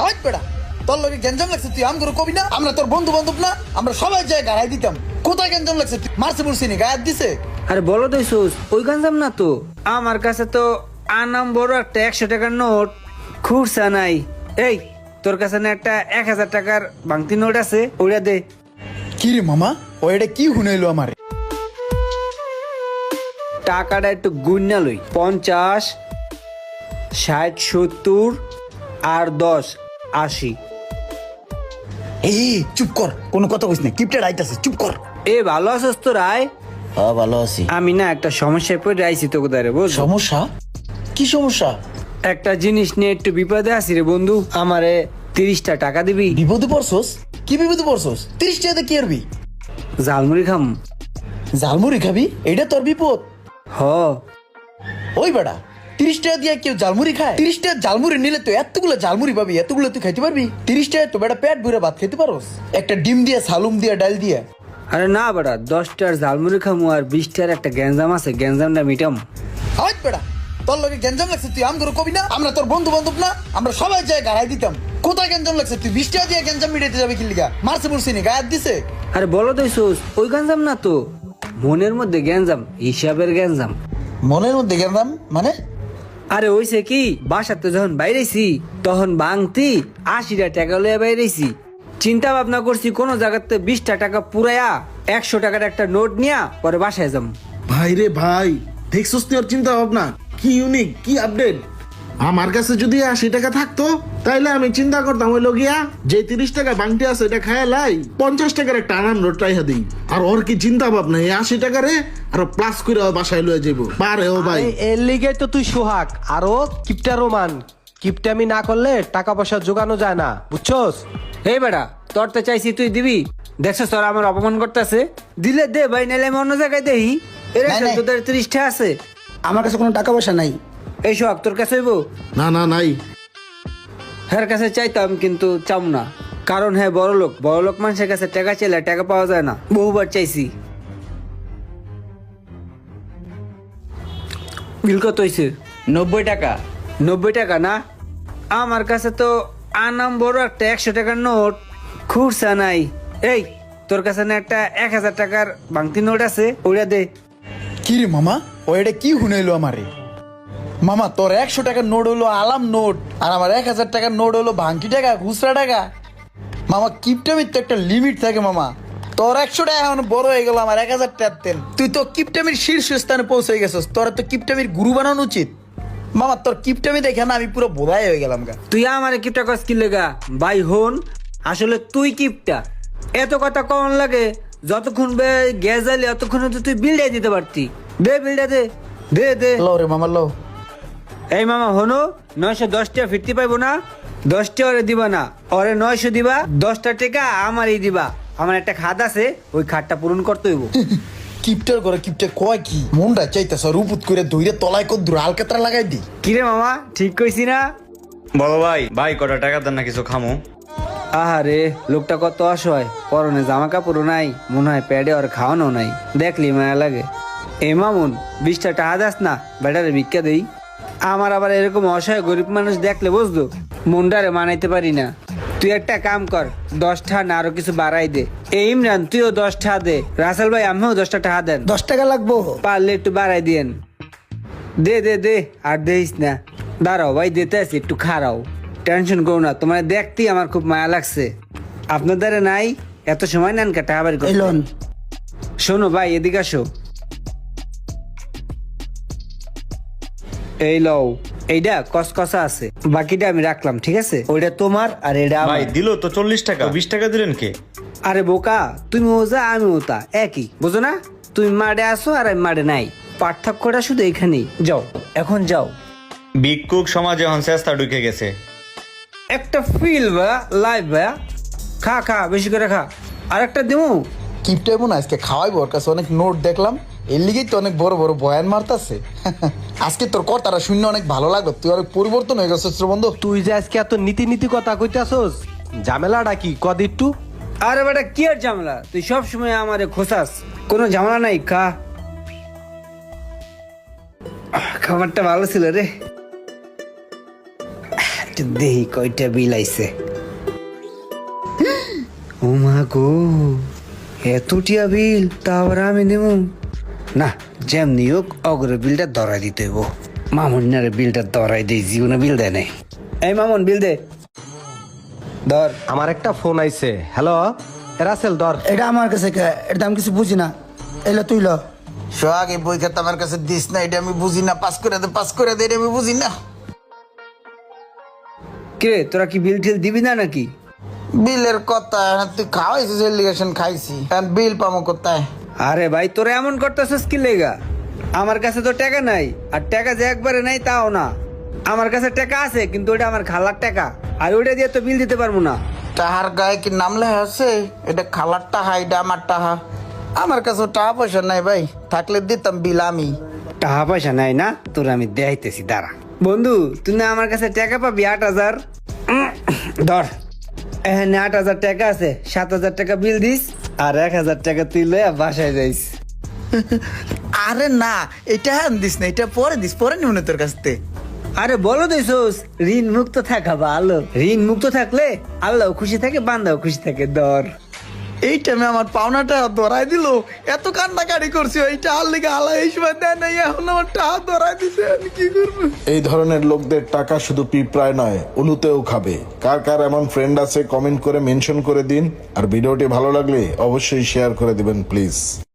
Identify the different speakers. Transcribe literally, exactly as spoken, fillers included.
Speaker 1: হাট বেড়া, তোর লগে গেঞ্জাম লাগছে তুই আম করে কবি না? আমরা তোর বন্ধু বান্ধব না? আমরা সবাই যায় গাড়াই দিতাম। কোথায় গেঞ্জাম লাগছে? তুই মারছে বলছি নি গায়ে দিছে?
Speaker 2: আরে বলো তো সুস, ওই গাঞ্জাম না তো। আমার কাছে তো আনাম বড় একটা একশো টাকার নোট খুঁড়ছা নাই। এই তোর কাছে না একটা এক হাজার টাকার ভাঙতি নোট আছে, ওইটা দে।
Speaker 1: কি রে মামা, ও এটা কি হুনাইলো আমারে?
Speaker 2: টাকাটা একটু গুণনা লই। পঞ্চাশ, ষাট, সত্তর আর দশ, আশি।
Speaker 1: এই চুপ কর, কোনো কথা কইস না, কিপটেড আইতাছে, চুপ কর।
Speaker 2: এ ভালো আছিস তো রায়?
Speaker 1: হ্যাঁ ভালো আছি।
Speaker 2: আমি না একটা সমস্যায় পড়ে আইছি তো কোথায় রে, বুঝ?
Speaker 1: সমস্যা? কি সমস্যা?
Speaker 2: একটা জিনিস নিয়ে একটু বিপদে আছি রে বন্ধু, আমারে তিরিশটা টাকা দিবি?
Speaker 1: বিপদে পড়ছস? কি বিপদে পড়ছস? তিরিশ টাকাতে কি আরবি?
Speaker 2: ঝালমুড়ি খাম।
Speaker 1: ঝালমুড়ি খাবি? এটা তোর বিপদ?
Speaker 2: হ।
Speaker 1: ওই বেটা, তিরিশ টাকা দিয়ে কেউ ঝালমুড়ি খায়? তিরিশ টাকা ঝালমুড়ি নিলে তো এতগুলো ঝালমুড়ি পাবি, এতগুলো তুই খাইতে পারবি? তিরিশ টাকা তো বেটা পেট ভরে ভাত খেতে পারোস, একটা ডিম দিয়ে, সালুম দিয়ে, ডাল দিয়ে।
Speaker 2: আরে না বেটা, দশটার ঝালমুড়ি খামু আর বিশটার একটা গ্যাঞ্জাম আছে, গ্যাঞ্জামটা মিটাম।
Speaker 1: হাট বেটা, তোর লগে গেঞ্জাম লাগছে তুই আম করে কবি না? আমরা তোর বন্ধু বান্ধব না? আমরা সবাই যায় গাড়াই দিতাম। কোথায় গেঞ্জাম লাগছে? তুই বিশ টাকা দিয়ে গেঞ্জাম মিটাইতে যাবে কি লিগা? মারছে বলছি নি গায়ে দিছে?
Speaker 2: আরে বলো তো সুস, ওই গ্যাঞ্জাম না তো। মনের মধ্যে গ্যাঞ্জাম, হিসাবের গ্যাঞ্জাম।
Speaker 1: মনের মধ্যে গেঞ্জাম মানে?
Speaker 2: আরে ওইছে কি, বাসাতে যখন বাইরেছি তখন ভাঙতি আশিটা টাকা লইয়া বাইরেছি। চিন্তা ভাবনা করছি কোন জায়গাতে বিশটা টাকা পুরাইয়া একশো টাকার একটা নোট নিয়া পরে বাসায় যাম।
Speaker 3: ভাই রে ভাই, দেখছস তুই ওর চিন্তা ভাবনা কি ইউনিক, কি আপডেট। আমার কাছে যদি আশি টাকা থাকতো তাইলে আমি চিন্তা করতাম ওই লগিয়া যে তিরিশ টাকা বাংটি আছে এটা খায় লাই পঞ্চাশ টাকার একটা আনাম নোট রাইহা দিই। আর ওর কি চিন্তা ভাবনা, এই আশি টাকারে আরো প্লাস করে বাসায় লয়ে যাবো পারে ও ভাই।
Speaker 4: আরে এর লিগে তো তুই সোহাগ আরো কিপটা রোমান। কিপটামি না করলে টাকা পয়সা জোগানো যায় না, বুঝছস?
Speaker 2: এই বেটা, তোর তো চাইছি তুই দিবি, দেখছস তোর আমার অপমান করতেছে। দিলে দে ভাই, নাইলে আমি অন্য জায়গায় দেই। এর
Speaker 1: নাই, নাই।
Speaker 2: তোদের ত্রিশটা আছে,
Speaker 5: আমার কাছে কোনো টাকা পয়সা নাই।
Speaker 2: এই সোহাগ তোর কাছে হইব?
Speaker 3: না না নাই।
Speaker 2: হ্যাঁ কাছে চাইতাম কিন্তু চাম না, কারণ হ্যাঁ বড় লোক, বড় লোক মানুষের কাছে টাকা চাইলে টাকা পাওয়া যায় না। বহুবার চাইছি। বিল কত হয়েছে?
Speaker 5: নব্বই টাকা।
Speaker 2: নব্বই টাকা না? আমার কাছে তো আনাম বড় একটা একশো টাকার নোট খুঁড়ছা নাই। এই তোর কাছে না একটা এক হাজার টাকার ভাঙতি নোট আছে, ওইটা দে।
Speaker 1: কি রে মামা, ও এটা কি হুনাইলো আমারে? মামা তোর একশো টাকার নোট হলো আলাম নোট, আর আমার এক হাজার টাকার নোট হলো ভাঙটি টাকা, খুচরা টাকা। মামা কিপটামির তো একটা লিমিট থাকে মামা। তোর একশো টাকা এখন বড় হয়ে গেল, আমার এক হাজার টাকার তেল। তুই তো কিপটামির শীর্ষস্থানে পৌঁছে গেছিস, তোর তো কিপটামির গুরু বানানো উচিত। মামা তোর কিপটামি দেখে না আমি পুরো বোধাই হয়ে গেলাম গা।
Speaker 2: তুই আমার কিপটা কস কি লেগা? ভাই হন, আসলে তুই কিপটা। এত কথা কম লাগে, যতক্ষণ বে গ্যাস জ্বালি অতক্ষণ তো তুই বিলটাই দিতে পারতি। দে বিলটা দে, দে দে।
Speaker 1: লো রে মামা লো।
Speaker 2: এই মামা হনো, নয়শো দশটা ফিরতে পাইবো না? দশটা ওরে দিবা না, ওরে নয়শো দিবা, দশটা টাকা আমারই দিবা। আমার একটা খাত আছে, ওই খাতটা পূরণ করতে হইব।
Speaker 1: কিপটার করে কিপটা কয় কি? মনটা চাইতেছ রুপুত করে ধইরে তলায় কত দূর আলকাতরা লাগাই দি।
Speaker 2: কিরে মামা, ঠিক কইছি না?
Speaker 6: বলো ভাই, ভাই কটা টাকা দেন না কিছু খামো।
Speaker 2: আহারে লোকটা কত অসহায়, পরনে জামা কাপড়ও নাই, মনে হয় প্যাডে আর খাওয়ানো নাই, দেখলি মায়া লাগে। এ মামুন, বিশটা টাকা দাস না, বেটারে ভিক্ষা দেই। আমার আবার এরকম অসহায় গরিব মানুষ দেখলে বুঝলো মনটারে মানাইতে পারি না। তুই একটা কাম কর, দশটা না আরো কিছু বাড়াই দে। এই ইমরান তুইও দশটা দে, রাসেল ভাই আমিও দশটা টাকা দেন।
Speaker 5: দশ টাকা লাগবো?
Speaker 2: পারলে একটু বাড়াই দিয়েন। দে দে দে, আর দেইস না। দাঁড়াও ভাই, দিতে আছি, একটু খারাও। টেনশন করো না, তোমার দেখতেই আমার খুব মায়া লাগছে। আপনাদের নাই এত সময় নেন কে টাকা বাড়ি করতে?
Speaker 5: এলন
Speaker 2: শোনো ভাই, এদিকে আসো। এই লও, এইটা কসকসা আছে, বাকিটা আমি রাখলাম, ঠিক আছে? ওইটা তোমার আর এটা আমার।
Speaker 6: ভাই দিল তো চল্লিশ টাকা, বিশ টাকা দিলেন কে?
Speaker 2: আরে বোকা, তুমি ওজা আমি ওতা একই, বুঝো না? তুমি মাঠে আসো আর আমি মাঠে নাই, পার্থক্যটা শুধু এখানেই। যাও এখন যাও।
Speaker 6: ভিক্ষুক সমাজে এখন চেষ্টা ঢুকে গেছে।
Speaker 2: একটা ফিল বা লাইভ বা খা খা, বেশি করে খা। আর একটা দিমু।
Speaker 1: কিপটা এমন আজকে খাওয়াইবো, ওর কাছে অনেক নোট দেখলাম, এর লিগেই তো অনেক বড় বড় বয়ান মারতাছে। আজকে তোর কথাটা শুনে অনেক ভালো লাগলো, তুই অনেক পরিবর্তন হয়ে গেছিস রে বন্ধু।
Speaker 4: তুই যে আজকে এত নীতি নীতি কথা কইতাছস, ঝামেলাটা কি কদ একটু?
Speaker 2: আরে বেটা কি আর ঝামেলা, তুই সব সময় আমারে খোসাস, কোনো ঝামেলা নাই, খা। খাবারটা ভালো ছিল রে। একটু দেহি কয়টা বিল আইছে। ও মা গো, এতটিয়া বিল, তা আবার আমি দেব না? যেমনি হোক অগ্রে বিলটা ধরাই দিতে হইব। মামুনারে বিলটা ধরাই দেই, জীবনে বিল দেয় নাই। এই মামুন, বিল দে। ধর।
Speaker 4: আমার একটা ফোন আইছে। হ্যালো রাসেল, ধর।
Speaker 5: এটা আমার কাছে কে? এটা আমি কিছু বুঝি না। এলে তুই ল।
Speaker 1: সোহাগ, এই বই খাতা আমার কাছে দিস না, এটা আমি বুঝি না। পাস করে দে, পাস করে দে, এটা আমি বুঝি না।
Speaker 2: কিরে, তোরা কি বিল টিল দিবি না নাকি?
Speaker 1: বিলের কথা তুই খাওয়াইছিস, এলিগেশন খাইছি, আর বিল পামো কোথায়?
Speaker 2: আরে ভাই, তোরা এমন করতেছিস কি লেগা? আমার কাছে তো টাকা নাই, আর টাকা যে একবারে নাই তাও না। আমার কাছে টাকা আছে, কিন্তু ওটা আমার খালার টাকা, আর ওইটা দিয়ে তো বিল দিতে পারবো না।
Speaker 1: টাহার গায়ে কি নাম লেখা আছে? এটা খালার টাহা, এটা আমার টাহা। আমার কাছে টাকা পয়সা নাই ভাই, থাকলে দিতাম বিল আমি।
Speaker 2: টাকা পয়সা নাই না? তোর আমি দেখাইতেছি, দাঁড়া। বন্ধু, তুই না আমার কাছে টাকা পাবি আট হাজার। উম, ধর, এখানে আট হাজার টাকা আছে, সাত হাজার টাকা বিল দিস, আর এক হাজার টাকা তুই লইয়া বাসায় যাইস।
Speaker 1: আরে না, এটা হ্যাঁ দিস না, এটা পরে দিস, পরে নিব না তোর কাছ থেকে।
Speaker 2: আরে বলো দিছোস, ঋণ মুক্ত থাকা ভালো। ঋণ মুক্ত থাকলে আল্লাহ খুশি থাকে, বান্দাও খুশি থাকে। ধর।
Speaker 1: এই টাইমে আমার পাওনাটা ধরাই দিল, এত কান্নাকাটি করছি, এইটা আর লিগে আল্লাহ এই সময় দেয় নাই, এখন আমার টাকা ধরাই দিছে, আমি কি করবো?
Speaker 3: এই ধরনের লোকদের টাকা শুধু পিঁপড়ায় নয়, উলুতেও খাবে। কার কার এমন ফ্রেন্ড আছে কমেন্ট করে মেনশন করে দিন, আর ভিডিওটি ভালো লাগলে অবশ্যই শেয়ার করে দিবেন প্লিজ।